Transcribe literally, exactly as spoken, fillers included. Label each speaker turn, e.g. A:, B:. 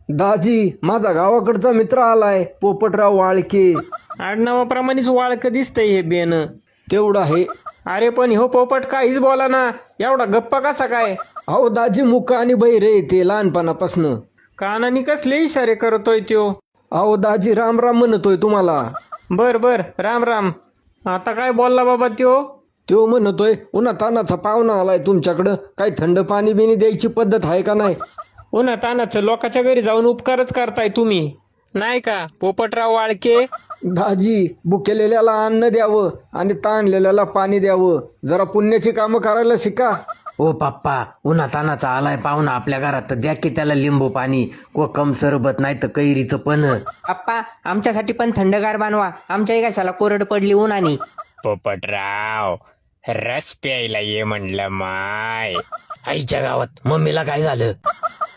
A: दाजी, माझा गावाकडचा मित्र आलाय, पोपटराव वाळके.
B: आडनावाप्रमाणेच वाळक दिसतंय हे बेन.
A: तेवढं आहे.
B: अरे पण हो पोपट काहीच बोला ना, एवढा गप्पा कसा काय?
A: अहो दाजी, मुक आणि बहिरे ते लहानपणापासनं.
B: कानानी कसले इशारे करतोय त्यो?
A: अहो दाजी, राम राम म्हणतोय तुम्हाला.
B: बर बर, राम राम. आता काय बोलला बाबा त्यो?
A: त्यो म्हणतोय उन्हा तानाचा पाहुणा आलाय तुमच्याकडं, काही थंड पाणी बिनी द्यायची पद्धत आहे का नाही?
B: उन्हा तानाचं लोकांच्या घरी जाऊन उपकारच करताय तुम्ही, नाही का पोपटराव वाळके?
A: दाजी, भुकेलेल्याला अन्न द्यावं आणि ताणलेल्याला पाणी द्यावं. जरा पुण्याची कामं करायला शिका.
C: ओ पप्पा, उन्हा तानाचा आलाय पाहुणा आपल्या घरात, तर द्या की त्याला लिंबू पाणी, कोकम सरबत, नाही तर कैरीचं पण.
D: पप्पा, आमच्यासाठी पण थंडगार बनवा, आमच्याही कशाला कोरड पडली उन्हानी.
B: पोपटराव, रस प्यायला ये म्हणलं माय.
C: आईच्या गावात मम्मीला काय झालं?